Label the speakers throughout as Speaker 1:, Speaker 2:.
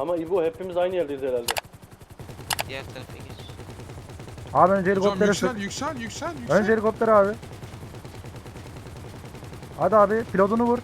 Speaker 1: Ama İbo hepimiz aynı yerdeyiz herhalde.
Speaker 2: Diğer tarafa geç.
Speaker 3: Abi önce
Speaker 4: Hocam
Speaker 3: helikoptere
Speaker 4: yüksel
Speaker 3: sık.
Speaker 4: yüksel yüksel
Speaker 3: Önce
Speaker 4: yüksel.
Speaker 3: helikopter abi. Hadi abi pilotunu vur.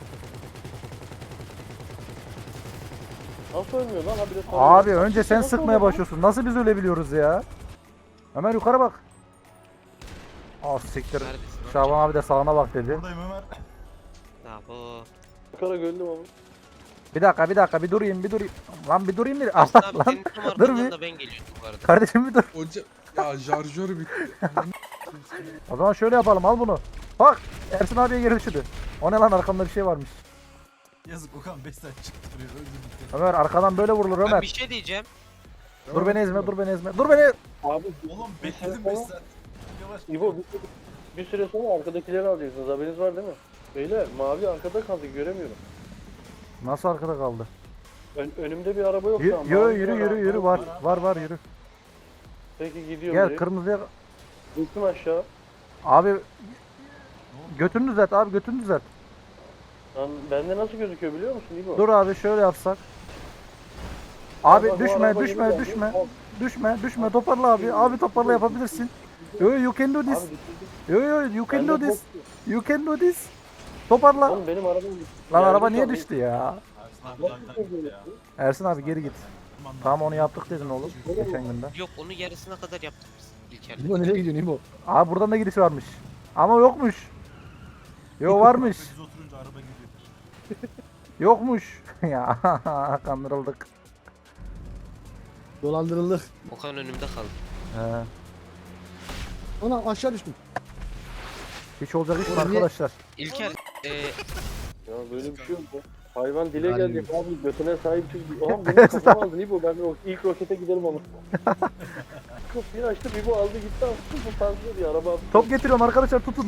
Speaker 1: Nasıl ölmüyor lan? Habire
Speaker 3: Abi önce sen
Speaker 1: Nasıl
Speaker 3: sıkmaya
Speaker 1: oluyor lan?
Speaker 3: başlıyorsun. Nasıl biz ölebiliyoruz ya? Ömer yukarı bak. Ah siktir.
Speaker 2: Neredesin?
Speaker 3: Şaban abi de sağına bak dedi.
Speaker 5: Buradayım Ömer.
Speaker 2: Ya bu.
Speaker 1: Yukarı gördüm ama.
Speaker 3: Bir dakika bir durayım. Lan bir durayım bir.
Speaker 2: Aslında
Speaker 3: Allah
Speaker 2: abi
Speaker 3: lan.
Speaker 2: senin tam
Speaker 3: Dur
Speaker 2: arkandan
Speaker 3: bir.
Speaker 2: da ben geliyordum bu arada.
Speaker 3: Kardeşim bir dur.
Speaker 4: Hocam ya şarjör bitti.
Speaker 3: O zaman şöyle yapalım al bunu. Bak Ersin abiye geri düşürdü. O ne lan arkamda bir şey varmış.
Speaker 5: Yazık Okan 5 saat çıktı buraya öldü gitti.
Speaker 3: Ömer arkadan böyle vurulur
Speaker 2: Ben
Speaker 3: Ömer.
Speaker 2: bir şey diyeceğim.
Speaker 3: Dur beni ezme dur beni ezme. Dur beni.
Speaker 1: Abi
Speaker 5: Oğlum
Speaker 1: bir
Speaker 5: bekledim
Speaker 1: süre
Speaker 5: 5
Speaker 1: sonra-
Speaker 5: saat. Yavaş.
Speaker 1: İbo bir süre sonra arkadakileri alacaksınız. Haberiniz var değil mi? Beyler mavi arkada kaldı göremiyorum.
Speaker 3: Nasıl arkada kaldı?
Speaker 1: Önümde bir araba yok şu an.
Speaker 3: Yürü
Speaker 1: Mavi
Speaker 3: yürü
Speaker 1: bir
Speaker 3: yürü
Speaker 1: araba
Speaker 3: yürü var yürü.
Speaker 1: Peki gidiyorum.
Speaker 3: Gel
Speaker 1: direkt.
Speaker 3: kırmızıya.
Speaker 1: Düştüm aşağı.
Speaker 3: Abi götünü düzelt abi götünü düzelt.
Speaker 1: Lan bende nasıl gözüküyor biliyor musun İbo?
Speaker 3: Dur abi şöyle yapsak. Abi
Speaker 1: Bak, bu
Speaker 3: düşme
Speaker 1: araba
Speaker 3: düşme
Speaker 1: yeni geldi.
Speaker 3: düşme.
Speaker 1: Al.
Speaker 3: Düşme toparla abi. Abi toparla yapabilirsin. Yo you can do
Speaker 1: Abi
Speaker 3: this.
Speaker 1: düşürdüm.
Speaker 3: Yo you can
Speaker 1: Bende
Speaker 3: do this.
Speaker 1: bok yok.
Speaker 3: You can do this. Toparla.
Speaker 1: Oğlum benim arabam
Speaker 3: Lan
Speaker 1: yerde
Speaker 3: araba niye
Speaker 1: kaldı.
Speaker 3: düştü ya?
Speaker 5: Ersin abi lagdan gitti ya.
Speaker 3: Ersin abi geri git.
Speaker 5: Aman
Speaker 3: Tamam
Speaker 5: lan.
Speaker 3: onu yaptık dedin oğlum. Geçen günde.
Speaker 2: Yok onu yarısına kadar yaptık biz İlker'le.
Speaker 6: İbo nereye gidiyorsun İbo?
Speaker 3: Abi buradan da gidiş varmış. Ama yokmuş. Yo varmış.
Speaker 5: Biz oturunca araba gidiyor.
Speaker 3: Yokmuş. Ya kandırıldık.
Speaker 6: Dolandırıldık.
Speaker 2: Okan önümde kaldı.
Speaker 3: He.
Speaker 6: Ana aşağı düştüm.
Speaker 3: Hiç olacak iş mi
Speaker 6: Oğlum niye-
Speaker 3: arkadaşlar?
Speaker 2: İlker
Speaker 1: Ya böyle bir şey yok ya. Hayvan dile
Speaker 6: Yani-
Speaker 1: gelecek abi götüne sahip çık. Oha benim kafam aldı İbo ben ilk rokete giderim ama. Kapıyı açtım İbo aldı gitti attı bu fazla diye araba.
Speaker 3: Top getiriyorum arkadaşlar tutun.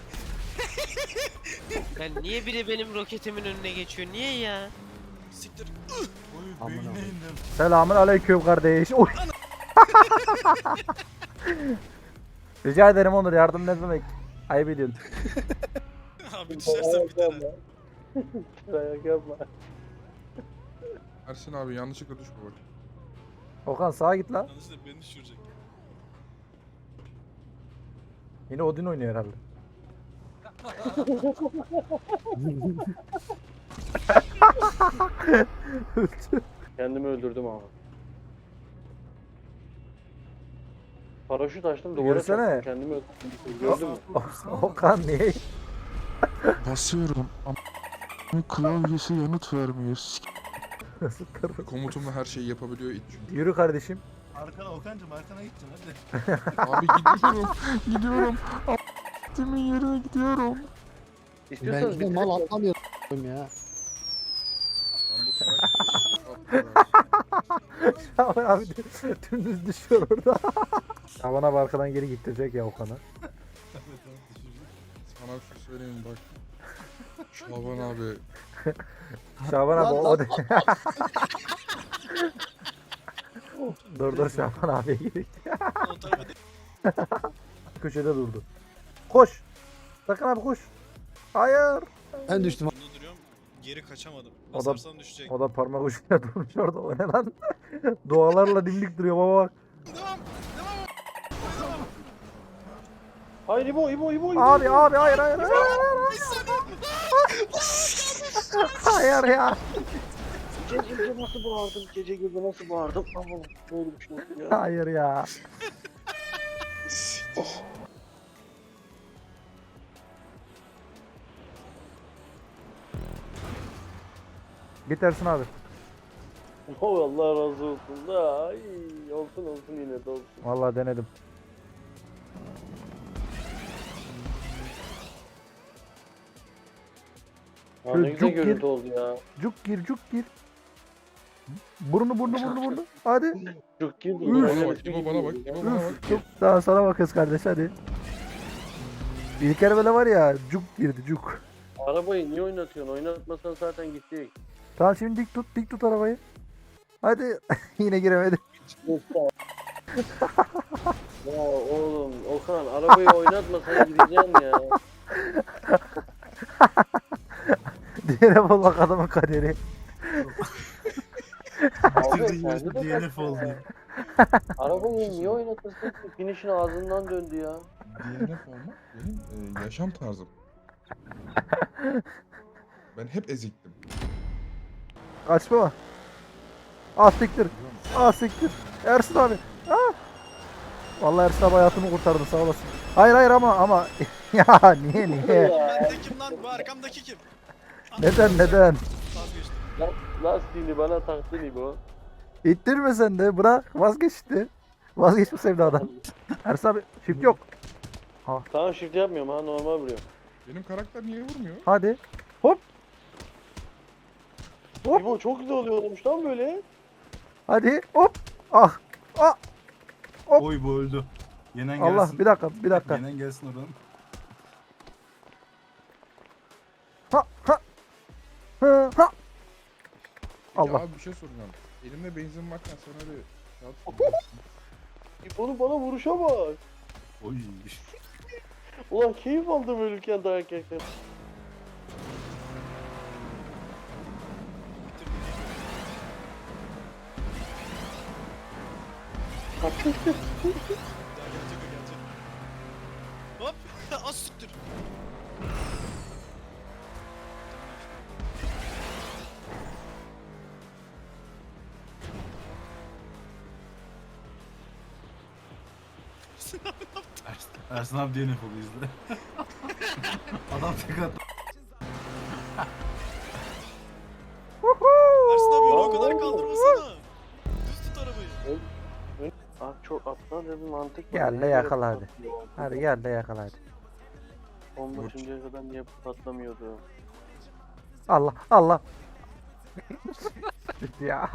Speaker 2: ben niye biri benim roketimin önüne geçiyor? Niye ya?
Speaker 5: Siktir.
Speaker 6: Aman
Speaker 5: Oy beynine
Speaker 6: Allah'ım.
Speaker 5: indim.
Speaker 3: Selamun aleyküm kardeş. Oy. Rica ederim Onur yardım ne demek? Ayıp ediyorsun.
Speaker 5: Abi düşersen bir tane.
Speaker 1: Ayak yapma.
Speaker 4: Ersin abi yanlışlıkla düşme bak.
Speaker 3: Okan sağa git lan.
Speaker 5: Yanlışlıkla beni düşürecek.
Speaker 3: Yine Odin oynuyor herhalde.
Speaker 1: Kendimi öldürdüm ama. Paraşüt açtım duvara
Speaker 3: Yürüsene.
Speaker 1: çarptım kendimi öldürdüm. Gördün mü?
Speaker 3: Okan niye?
Speaker 4: Basıyorum ama klavyesi yanıt vermiyor.
Speaker 3: Nasıl kırdı?
Speaker 4: Komutumla her şeyi yapabiliyor it çünkü.
Speaker 3: Yürü kardeşim.
Speaker 5: Arkana Okan'cım arkana gideceksin hadi.
Speaker 4: Abi gidiyorum. Timin yerine gidiyorum.
Speaker 6: Ben
Speaker 1: İstiyorsanız
Speaker 6: gidip
Speaker 1: bir
Speaker 6: mal atlamıyorum ya.
Speaker 3: Şaban abi dümdüz düşüyor orada. Şaban abi arkadan geri getirecek ya Okan'ı.
Speaker 4: Sana bir şey söyleyeyim bak. Şaban abi.
Speaker 3: Şaban abi
Speaker 6: Lan,
Speaker 3: o da... dur Şaban abiye gerek.
Speaker 5: O tarafa değil.
Speaker 3: Köşede durdu. Koş. Sakın abi koş. Hayır.
Speaker 6: Ben düştüm.
Speaker 5: Bunda duruyorum. Geri kaçamadım.
Speaker 3: O da-
Speaker 5: Basarsam düşecek.
Speaker 3: O da parmak ucuyla durmuş orada. O ne lan? Dualarla dimdik duruyor baba bak.
Speaker 5: Devam.
Speaker 1: Hayır İbo İbo.
Speaker 3: Abi hayır. Hayır ya.
Speaker 1: Gece nasıl bağırdım? Gece gibi nasıl bağırdım? Aman böyle bir şey oldu ya.
Speaker 3: Hayır ya. Git Ersin abi.
Speaker 1: Oh Allah razı olsun da. Ay, olsun yine de olsun.
Speaker 3: Vallahi denedim.
Speaker 1: Ha,
Speaker 3: Şöyle
Speaker 1: ne güzel
Speaker 3: cuk gir.
Speaker 1: görüntü oldu ya.
Speaker 3: Cuk gir. Burnu. Hadi.
Speaker 1: Çok girdi.
Speaker 3: Üf.
Speaker 4: Bana bak, İbo bana bak, İbo bana bak.
Speaker 3: Cuk. Daha sana bakıyoruz kardeş hadi. İlker böyle var ya cuk girdi cuk.
Speaker 1: Arabayı niye oynatıyorsun? Oynatmasan zaten gidecek.
Speaker 3: Tamam şimdi dik tut arabayı. Hadi yine giremedim.
Speaker 1: Ya oğlum Okan arabayı oynatmasan gideceksin ya.
Speaker 3: Diğere bulmak adamın kaderi.
Speaker 1: Abi
Speaker 5: Bitirdi
Speaker 1: kendi de
Speaker 5: DNF oldu.
Speaker 1: Arabayı niye oynatırsın ki? Finish'in ağzından döndü ya.
Speaker 4: DNF olmak benim yaşam tarzım. Ben hep eziktim.
Speaker 3: Kaçma. Ah siktir. Ah siktir. Ersin abi. Ah. Vallahi Ersin abi hayatımı kurtardı sağ olasın. Hayır hayır ama ya niye?
Speaker 5: Bende kim lan? Bu arkamdaki kim?
Speaker 3: Neden?
Speaker 5: Vazgeçtim.
Speaker 1: Lastiğini bana taktın İbo.
Speaker 3: İttirme sen de bırak vazgeçti. Vazgeç bu sevdadan. Ersin abi shift yok.
Speaker 1: Tamam shift yapmıyorum ha normal vuruyorum.
Speaker 4: Benim karakter niye vurmuyor?
Speaker 3: Hadi. Hop. Hop.
Speaker 1: İbo çok güzel oluyormuş lan böyle.
Speaker 3: Hadi hop. Ah. Ah. Hop.
Speaker 5: Oy bu öldü. Yenen
Speaker 3: Allah
Speaker 5: gelsin.
Speaker 3: bir dakika.
Speaker 5: Yenen gelsin oradan.
Speaker 3: Ha ha. Ha ha.
Speaker 4: Peki
Speaker 3: Allah.
Speaker 4: abi bir şey soracağım. Elimde benzin varken sen öyle kağıt kullanıyorsun.
Speaker 1: İbo'nun bana vuruşa bak.
Speaker 5: Oy.
Speaker 1: Ulan keyif aldım ölürken dayak yerken.
Speaker 5: Gelecek o gelecek. Hop. Az siktir. Ersin abi DNF oldu izle. Adam tek attı. Ersin abi onu o kadar kaldırmasana. Düz tut arabayı.
Speaker 1: Ah çok aptal bir mantık var.
Speaker 3: Gel de
Speaker 1: Niye
Speaker 3: yakala
Speaker 1: böyle
Speaker 3: hadi.
Speaker 1: patlıyor?
Speaker 3: Hadi gel de yakala hadi.
Speaker 1: Bomba şimdiye kadar niye patlamıyordu?
Speaker 3: Allah. ya.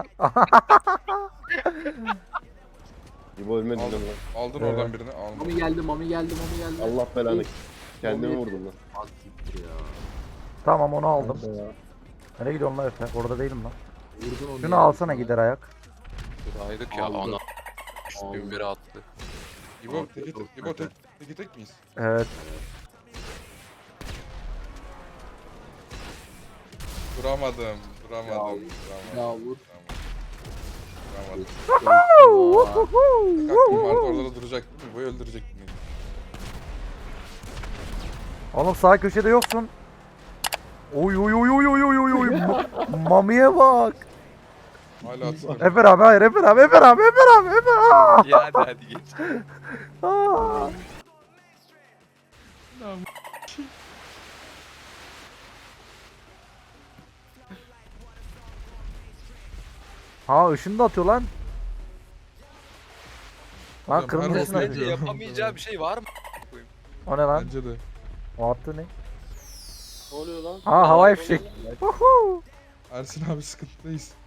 Speaker 7: İbo ölmedin
Speaker 4: Aldın,
Speaker 7: değil mi lan?
Speaker 4: aldın oradan birini almadın.
Speaker 6: Mami geldi.
Speaker 7: Allah belanı. Kendimi vurdum lan.
Speaker 3: Tamam onu aldım.
Speaker 7: Nerede ya?
Speaker 3: Nereye gidiyorsun lan Efe? Orada değilim lan. Şunu alsana gider ayak.
Speaker 8: Saydık ya ana. Üstün biri attı.
Speaker 4: İbo tek miyiz?
Speaker 3: Evet.
Speaker 4: Duramadım.
Speaker 6: Ya vur.
Speaker 4: Duramadım. Aklım vardı orada da duracak değil mi? İbo'yu öldürecektim.
Speaker 3: Oğlum sağ köşede yoksun. Oy. Mamiye bak.
Speaker 4: Hala atsana.
Speaker 3: Efer abi hayır Efer abi. Aa!
Speaker 8: Ya hadi geç.
Speaker 3: Aa! Ha ışını da atıyor lan. Lan
Speaker 4: Hocam,
Speaker 3: kırmızı
Speaker 4: her
Speaker 3: ışın
Speaker 4: olsun
Speaker 3: atıyor.
Speaker 8: Bence yapamayacağı bir şey var mı?
Speaker 3: O ne lan?
Speaker 4: Bence de.
Speaker 3: O attı ne?
Speaker 1: Ne oluyor lan?
Speaker 3: Ha havai fişek. Uhu.
Speaker 4: Ersin abi sıkıntıdayız.